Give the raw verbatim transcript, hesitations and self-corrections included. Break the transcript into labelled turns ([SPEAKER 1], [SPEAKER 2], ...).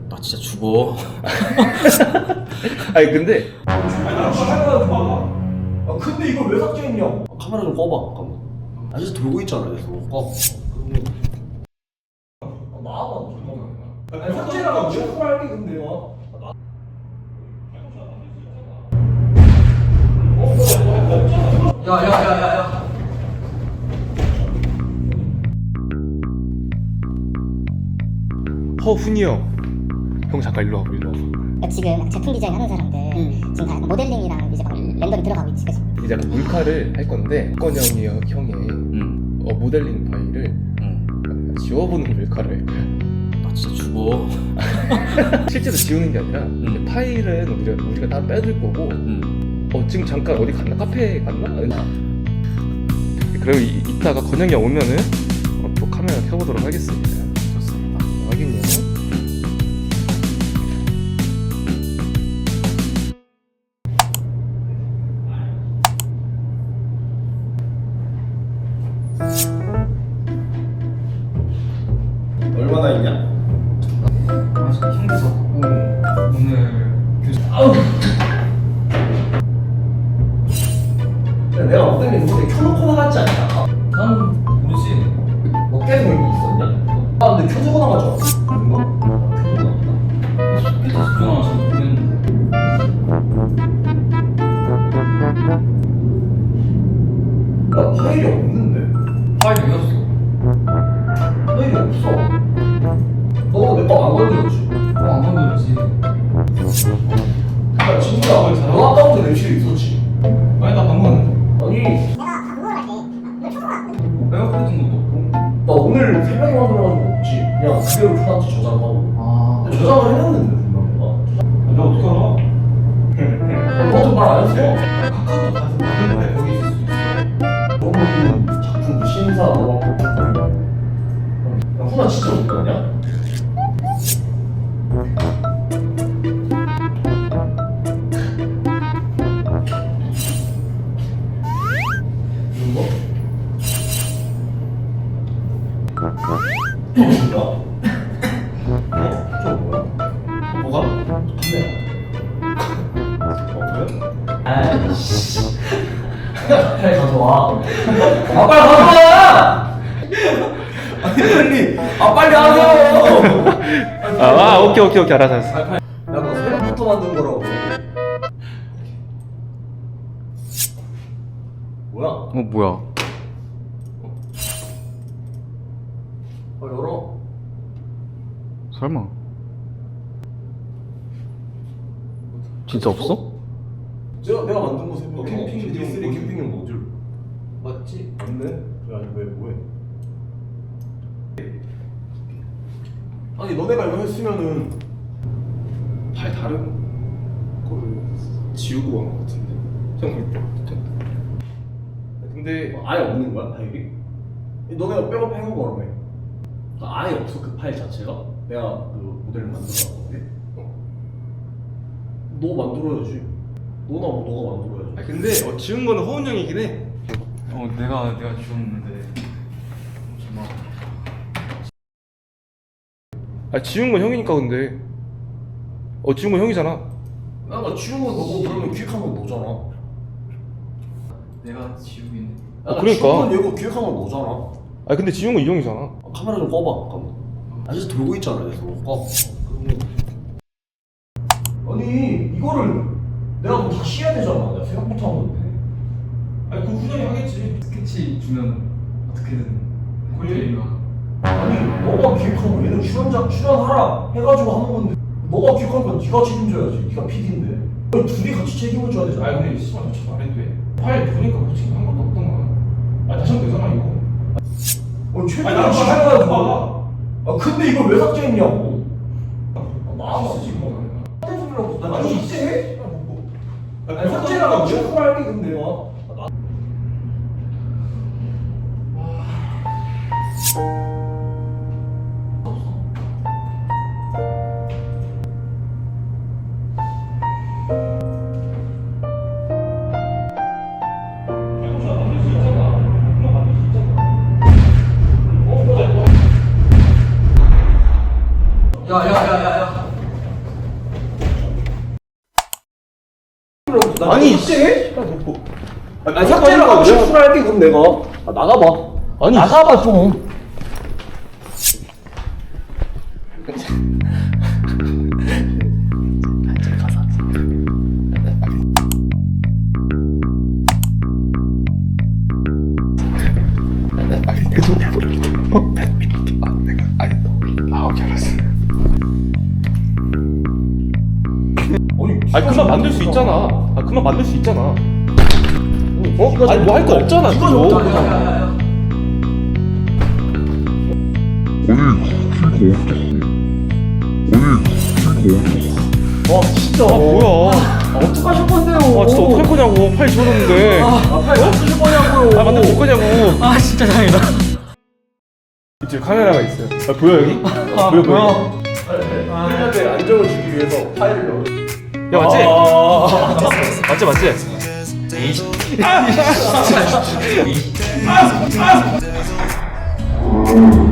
[SPEAKER 1] 나 진짜 죽어.
[SPEAKER 2] 아니 근데
[SPEAKER 3] 아니 나 카메라 좀 봐봐. 아 근데 이걸 왜 삭제했냐? 아, 카메라 좀 꺼봐. 잠깐만. 아 진짜 돌고 있잖아. 그래서 꺼. 아, 나와봐. 잠깐만. 아니 삭제라고 무조건 할게 근데 와.
[SPEAKER 1] 야야야야야.
[SPEAKER 2] 허훈이 형. 형 잠깐 일로 와봐 일로 와봐.
[SPEAKER 4] 그러니까 지금 제품 디자인 하는 사람들 지금 다 약간 모델링이랑 이제 막 렌더링 들어가고 있지, 그치?
[SPEAKER 2] 이제 약간 몰카를 할 건데 건 형이 형의
[SPEAKER 1] 응.
[SPEAKER 2] 어, 모델링 파일을
[SPEAKER 1] 응.
[SPEAKER 2] 지워보는 몰카를 할 거야.
[SPEAKER 1] 나 진짜 죽어.
[SPEAKER 2] 실제로 지우는 게 아니라
[SPEAKER 1] 응.
[SPEAKER 2] 파일은 우리가 우리가 다 빼둘 거고.
[SPEAKER 1] 응.
[SPEAKER 2] 어 지금 잠깐 어디 갔나? 카페에 갔나? 그리고 이, 이따가 건영이 형 오면은 어, 또 카메라 켜보도록 하겠습니다.
[SPEAKER 1] 좋습니다.
[SPEAKER 2] 확인요.
[SPEAKER 3] 얼마나 있냐?
[SPEAKER 1] 아 진짜 힘들었고 오늘 교수. 아우.
[SPEAKER 3] 내가 모델링 근데 켜놓고 나갔지 않냐?
[SPEAKER 1] 난 모르지.
[SPEAKER 3] 뭐 계속 여기 있었냐? 아 근데 켜주고 나갔잖아. 그런가? 아, 켜주고 나갔다.
[SPEAKER 1] 그때 집중하면서 모르겠는데.
[SPEAKER 3] 야 파일이 없는데?
[SPEAKER 1] 파일 여기 없어.
[SPEAKER 3] 파일이 없어. 너 내 거 안 건드렸지?
[SPEAKER 1] 뭐안 건드렸지.
[SPEAKER 3] 야 진짜 너 아까부터 랩실에 있었지?
[SPEAKER 1] 아니 나 방금 왔는데.
[SPEAKER 3] 아니
[SPEAKER 1] 내가 그랬던 것도 없고.
[SPEAKER 3] 나 오늘 새벽에 만들어가지고 없지. 그냥 그대로 켜놨지 저장하고.
[SPEAKER 1] 아.
[SPEAKER 3] 근데 저장을 해놨는데 분명 내가.
[SPEAKER 1] 내가 어떻게 알아?
[SPEAKER 3] 너도 말 안 했어.
[SPEAKER 1] 카카오톡 가서 다른 거에 거기 있을 수도 있어.
[SPEAKER 3] 너무 작품 신사 너무 야 훈아 진짜 못 가냐? 이런 거? 뭐야? 어? 저 뭐야?
[SPEAKER 1] 뭐가?
[SPEAKER 3] 카메라. 어 그래? 아이씨. 빨리 가져와. 아 빨리 가져와. 아니 빨리. 아 빨리 하세요.
[SPEAKER 2] 아, 아 오케이 오케이 오케이 알았어 알았어.
[SPEAKER 3] 야너 새벽부터 만든 거라고. 뭐야?
[SPEAKER 2] 어 뭐야?
[SPEAKER 3] 아 열어.
[SPEAKER 2] 설마 진짜 없어?
[SPEAKER 3] 제가 내가 만든 거 새벽에.
[SPEAKER 1] 어, 캠핑
[SPEAKER 3] 디 쓰리
[SPEAKER 1] 모듈.
[SPEAKER 3] 캠핑용 모듈.
[SPEAKER 1] 맞지?
[SPEAKER 3] 맞네. 야 이거 왜 뭐해? 아니 너네가 이거 했으면은
[SPEAKER 2] 파일 다른 거를 지우고 간 거 같은데. 형 그럴 근데
[SPEAKER 3] 뭐 아예 없는 거야 파일이? 너네가 백업 해온 거라며. 아, 아예 없어 그 파일 자체가? 내가 그 모델을 만들어놨는데. 너 만들어야지. 너나 뭐 너가 만들어야지.
[SPEAKER 2] 아 근데 어, 지운 거는 허훈 형이긴 해.
[SPEAKER 1] 어 내가 내가 지웠는데. 잠깐만.
[SPEAKER 2] 아 지운 건 형이니까 근데. 어 지운 건 형이잖아.
[SPEAKER 3] 나나 지운 건 너고 그러면 기획한 건 너잖아.
[SPEAKER 1] 내가 지우긴.
[SPEAKER 3] 야, 나
[SPEAKER 2] 그러니까.
[SPEAKER 3] 지운 건 얘고 기획한 건 너잖아.
[SPEAKER 2] 아 근데 지운 건 이 형이잖아.
[SPEAKER 3] 아, 카메라 좀 꺼봐. 잠깐만. 아 진짜 돌고 있잖아. 그래서 꺼. 아니 이거를 내가 뭐 다시 해야 되잖아. 내가 생각부터 한 건데.
[SPEAKER 1] 아니 그 훈영이 하겠지. 스케치 주면 어떻게든 콜레이가.
[SPEAKER 3] 아니 너가 기획한 거 얘는 출연자 출연하라 해가지고 하는 건데 너가 기획한 건 네가 책임져야지. 네가 피디인데. 둘이 같이 책임을 져야 되잖아.
[SPEAKER 1] 아니 근데 씨발 저 말해도 돼. 파일 보니까 뭐 지금 한 것도 없던 거야. 아 다시 하면 되잖아 이거.
[SPEAKER 3] 아니 최근에
[SPEAKER 1] 아니, 나도
[SPEAKER 3] 시작해가지고.
[SPEAKER 1] 봐.
[SPEAKER 3] 아 근데 이걸 왜 삭제했냐고. 아, 나와봐.
[SPEAKER 1] 지금 뭐.
[SPEAKER 3] 나 아니 삭제해? 아니 삭제라고 무조건 할게 근데 와.
[SPEAKER 1] 야야야야야.
[SPEAKER 3] 나
[SPEAKER 2] 아니,
[SPEAKER 3] 삭제해?
[SPEAKER 2] 야, 너 뭐.
[SPEAKER 3] 아 삭제를 하고 싶으라 할게 그럼 내가. 아 나가봐.
[SPEAKER 2] 아니.
[SPEAKER 3] 나가봐 좀.
[SPEAKER 2] 아니 그만 만들 수 있잖아. 아 그만 만들 수 있잖아. 어? 아니 뭐 할 거 없잖아.
[SPEAKER 3] 이거
[SPEAKER 2] 그죠?
[SPEAKER 3] 좀 어떡하냐. 와 진짜.
[SPEAKER 2] 아 뭐야?
[SPEAKER 3] 아, 어떡하실 건데요?
[SPEAKER 2] 아 진짜 어떡할 거냐고. 파일 지워졌는데. 아,
[SPEAKER 3] 아 파일 어떠실 거냐고요?
[SPEAKER 2] 아 만들 줄 거냐고.
[SPEAKER 1] 아 진짜 다행이다.
[SPEAKER 2] 이쪽 카메라가 있어요. 아 보여 여기?
[SPEAKER 1] 아
[SPEAKER 2] 보여, 보여.
[SPEAKER 1] 보여.
[SPEAKER 3] 우리한테 안정을 주기 위해서 파일을 넣어.
[SPEAKER 2] 야 맞지?
[SPEAKER 3] 아,
[SPEAKER 2] 맞지 맞지?
[SPEAKER 1] 에이.